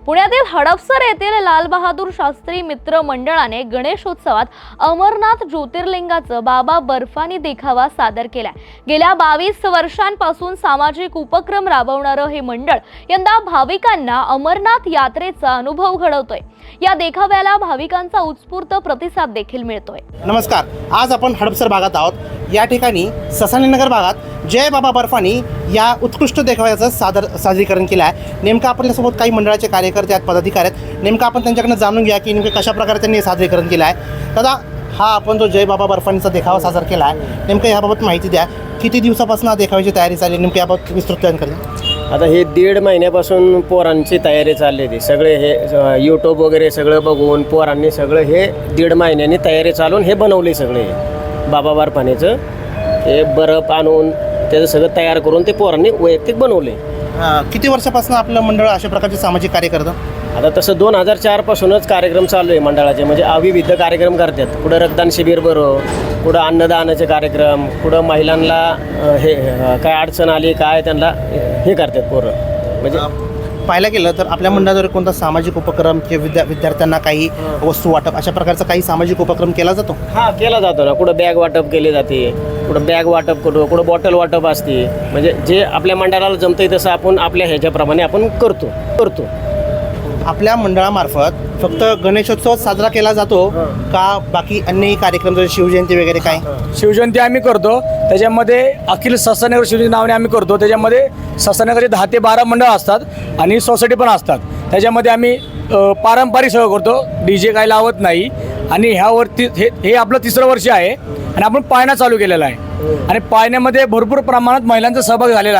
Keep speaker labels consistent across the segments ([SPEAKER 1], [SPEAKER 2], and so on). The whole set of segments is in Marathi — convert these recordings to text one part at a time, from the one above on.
[SPEAKER 1] पुण्यातील हडपसर येथील लाल बहादूर शास्त्री मित्र मंडळाने गणेशोत्सवात अमरनाथ ज्योतिर्लिंगाचं बाबा बर्फानी देखावा सादर केलाय। गेल्या 22 वर्षांपासून सामाजिक उपक्रम राबवणारं हे मंडळ यंदा भाविकांना अमरनाथ यात्रेचा अनुभव घडवतोय। या देखाव्याला भाविकांचा उत्स्फूर्त प्रतिसाद देखील मिळतोय।
[SPEAKER 2] नमस्कार, आज आपण हडपसर भागात आहोत। या ठिकाणी ससानीनगर भागात जय बाबा बर्फानी या उत्कृष्ट देखाव्याचं सादरीकरण केलं आहे। नेमकं आपल्यासोबत काही मंडळाचे कार्यकर्ते आहेत, पदाधिकारी आहेत। नेमकं आपण त्यांच्याकडनं जाणून घ्या की नेमकं कशा प्रकारे त्यांनी सादरीकरण केलं आहे। दादा, हा आपण जो जय बाबा बर्फानीचा देखावा सादर केला आहे, नेमकं याबाबत माहिती द्या। किती दिवसापासून हा देखाव्याची तयारी चालली, नेमकं याबाबत विस्तृत करा।
[SPEAKER 3] आता हे 1.5 महिन्यापासून पोरांची तयारी चालली होती। सगळे हे यूट्यूब वगैरे सगळं बघून पोरांनी सगळं हे 1.5 महिन्यांनी तयारी चालून हे बनवले। सगळे बाबा बर्फानीचं हे बर्फ आणून त्याचं सगळं तयार करून ते पोरांनी वैयक्तिक बनवले।
[SPEAKER 2] किती वर्षापासून आपलं मंडळ अशा प्रकारचे सामाजिक कार्य करतं?
[SPEAKER 3] आता तसं 2004 पासूनच कार्यक्रम चालू आहे मंडळाचे। म्हणजे विविध कार्यक्रम करतात। कुठं रक्तदान शिबिर भरो, कुठं अन्नदानाचे कार्यक्रम, कुठं महिलांना हे काय अडचण आली काय त्यांना हे करतात पोरं। म्हणजे
[SPEAKER 2] पाहायला गेलं तर आपल्या मंडळाद्वारे कोणता सामाजिक उपक्रम किंवा विद्यार्थ्यांना काही वस्तू वाटप अशा प्रकारचा काही सामाजिक उपक्रम केला जातो?
[SPEAKER 3] हां, केला जातो ना। कुठं बॅग वाटप केली जाते, कुठं बॅग वाटप करतो, कुठं बॉटल वाटप असते। म्हणजे जे आपल्या मंडळाला जमतंय तसं आपण आपल्या ह्याच्याप्रमाणे आपण करतो।
[SPEAKER 2] आपल्या मंडळामार्फत फक्त गणेशोत्सव साजरा केला जातो का बाकी अन्यही कार्यक्रम जसे शिवजयंती वगैरे काय?
[SPEAKER 4] शिवजयंती आम्ही करतो, त्याच्यामध्ये अखिल ससानगर शिवजयंती नावाने आम्ही करतो। त्याच्यामध्ये ससानगरचे 10 ते 12 मंडळ असतात आणि सोसायटी पण असतात। त्याच्यामध्ये आम्ही पारंपरिक सगळं करतो, DJ काय लावत नाही। आणि ह्यावरती हे आपलं 3रं वर्ष आहे आणि आपण पाळणा चालू केलेला आहे आणि पाळण्यामध्ये भरपूर प्रमाणात महिलांचा सहभाग झालेला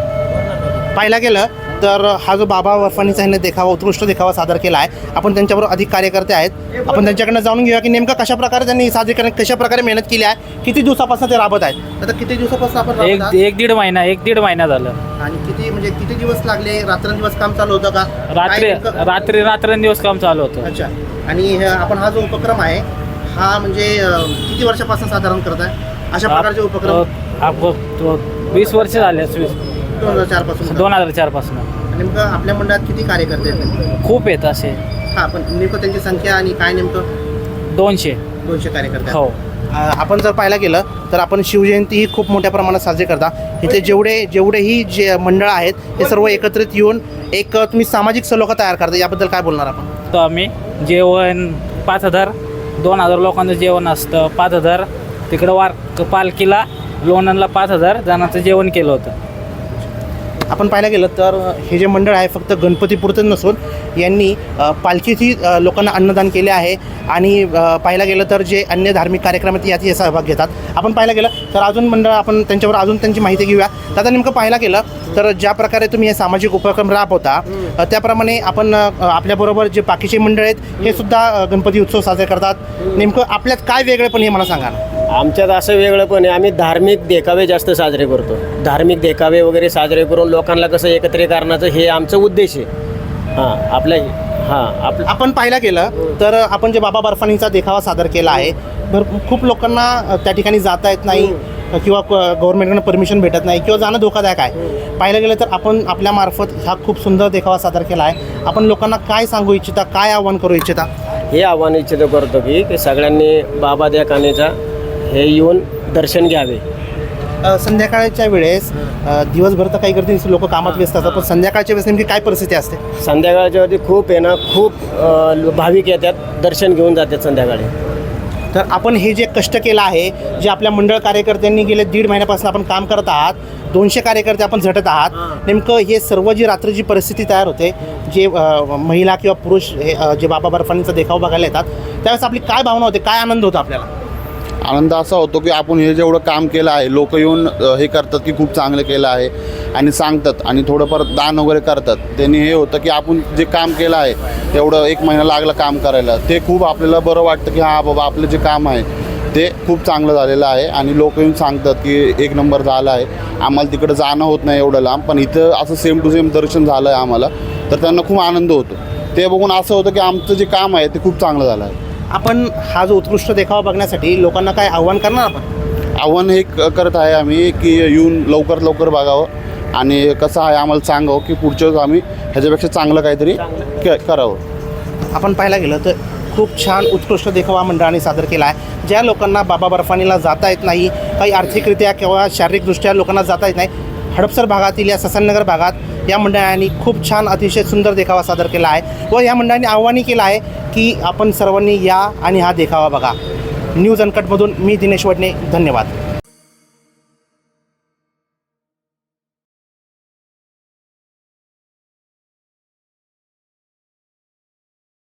[SPEAKER 4] आहे।
[SPEAKER 2] पाहायला गेलं तर हा जो बाबा बर्फानीचा ह्याने देखावा उत्कृष्ट देखावा सादर केला आहे। आपण त्यांच्याबरोबर अधिक कार्यकर्ते आहेत, आपण त्यांच्याकडनं जाणून घेऊया की नेमकं कशा प्रकारे त्यांनी सादरीकरण कशा प्रकारे मेहनत केली आहे, किती दिवसापासून ते राबत आहेत। आता किती दिवसापासून आपण राबत आहात?
[SPEAKER 5] एक दीड महिना झालं।
[SPEAKER 2] आणि किती दिवस लागले? रात्रंदिवस काम चालू होतं का?
[SPEAKER 5] रात्रंदिवस काम चालू होतं।
[SPEAKER 2] अच्छा। आणि आपण हा जो उपक्रम आहे हा म्हणजे किती वर्षापासून साधारण करत आहे अशा प्रकारचे उपक्रम?
[SPEAKER 5] 20 वर्ष झाले।
[SPEAKER 2] 2004 पासून। नेमकं आपल्या मंडळात किती कार्यकर्ते आहेत?
[SPEAKER 5] खूप आहेत असे।
[SPEAKER 2] हा, पण नेमकं त्यांची संख्या आणि काय नेमकं?
[SPEAKER 5] 200
[SPEAKER 2] कार्यकर्ते।
[SPEAKER 5] हो।
[SPEAKER 2] आपण जर पाहायला गेलं तर आपण शिवजयंती ही खूप मोठ्या प्रमाणात साजरी करता। इथे जेवढेही जे मंडळ आहेत हे सर्व एकत्रित येऊन एक तुम्ही सामाजिक सलोखा तयार करता, याबद्दल काय बोलणार आपण?
[SPEAKER 5] तर आम्ही जेवण 2000 लोकांचं जेवण असतं। 5000 तिकडं पालखीला लोणंदला 5000 जणांचं जेवण केलं होतं।
[SPEAKER 2] आपण पाहायला गेलं तर हे जे मंडळ आहे फक्त गणपतीपुरतं नसून यांनी पालखीची लोकांना अन्नदान केले आहे आणि पाहायला गेलं तर जे अन्य धार्मिक कार्यक्रम आहेत यात सहभाग घेतात। आपण पाहायला गेलं तर अजून मंडळ आपण त्यांच्यावर अजून त्यांची माहिती घेऊया। आता नेमकं पाहायला गेलं तर ज्या प्रकारे तुम्ही हे सामाजिक उपक्रम राबवता त्याप्रमाणे आपण आपल्याबरोबर जे बाकीचे मंडळ आहेत हे सुद्धा गणपती उत्सव साजरे करतात। नेमकं आपल्यात काय वेगळेपण हे मला सांगा ना।
[SPEAKER 3] आमच्यात असं वेगळंपण आहे, आम्ही धार्मिक देखावे जास्त साजरे करतो। धार्मिक देखावे वगैरे साजरे करून लोकांना कसं एकत्रित करण्याचं हे आमचं उद्देश आहे।
[SPEAKER 2] आपण पाहायला गेलं तर आपण जे बाबा बर्फानीचा देखावा सादर केला आहे, खूप लोकांना त्या ठिकाणी जाता येत नाही किंवा गव्हर्नमेंटकडून परमिशन भेटत नाही किंवा जाणं धोकादायक आहे। पाहायला गेलं तर आपण आपल्यामार्फत हा खूप सुंदर देखावा सादर केला आहे। आपण लोकांना काय सांगू इच्छिता, काय आव्हान करू इच्छिता?
[SPEAKER 3] हे आव्हान इच्छित करतो की सगळ्यांनी बाबा देखानीचा हे येऊन दर्शन घ्यावे।
[SPEAKER 2] संध्याकाळच्या वेळेस दिवसभर तर काही करते लोक कामात व्यस्त असतात, पण संध्याकाळच्या वेळेस नेमकी काय परिस्थिती असते?
[SPEAKER 3] संध्याकाळच्या वरती खूप भाविक येतात, दर्शन घेऊन जातात संध्याकाळी।
[SPEAKER 2] तर आपण हे जे कष्ट केलं आहे, जे आपल्या मंडळ कार्यकर्त्यांनी गेले 1.5 महिन्यापासून आपण काम करत आहात, 200 कार्यकर्ते आपण झटत आहात, नेमकं हे सर्व जी रात्रीची परिस्थिती तयार होते, जे महिला किंवा पुरुष हे जे बाबा बर्फानीचा देखावा बघायला येतात त्यावेळेस आपली काय भावना होते, काय आनंद होतो आपल्याला?
[SPEAKER 6] आनंद असा होतो की आपण हे जेवढं काम केलं आहे लोक येऊन हे करतात की खूप चांगलं केलं आहे आणि सांगतात आणि थोडंफार दान वगैरे करतात। त्यांनी हे होतं की आपण जे काम केलं आहे तेवढं 1 महिना लागला काम करायला, ते खूप आपल्याला बरं वाटतं की हां बाबा आपलं जे काम आहे ते खूप चांगलं झालेलं आहे आणि लोक येऊन सांगतात की 1 नंबर झाला आहे। आम्हाला तिकडं जाणं होत नाही एवढं लांब, पण इथं असं सेम टू सेम दर्शन झालं आहे आम्हाला, तर त्यांना खूप आनंद होतो। ते बघून असं होतं की आमचं जे काम आहे ते खूप चांगलं झालं आहे।
[SPEAKER 2] आपण हा जो उत्कृष्ट देखावा बघण्यासाठी लोकांना काय आव्हान करणार? आपण
[SPEAKER 6] आव्हान हे करत आहे आम्ही की येऊन लवकरात लवकर बघावं आणि कसं आहे आम्हाला सांगावं की पुढच्या वेळेस आम्ही ह्याच्यापेक्षा चांगलं काहीतरी करावं.
[SPEAKER 2] आपण पाहायला गेलं तर खूप छान उत्कृष्ट देखावा मंडळाने सादर केला आहे. ज्या लोकांना बाबा बर्फानीला जाता येत नाही, काही आर्थिकरित्या किंवा शारीरिकदृष्ट्या लोकांना जाता येत नाही, हडपसर भागातील या ससाननगर भागात या मंडळाने खूप छान अतिशय सुंदर देखावा सादर केला आहे व या मंडळाने आव्हानही केलं आहे की आपण सर्वांनी या आणि हा देखावा बघा. न्यूज अनकटमधून मी दिनेश वडणे, धन्यवाद.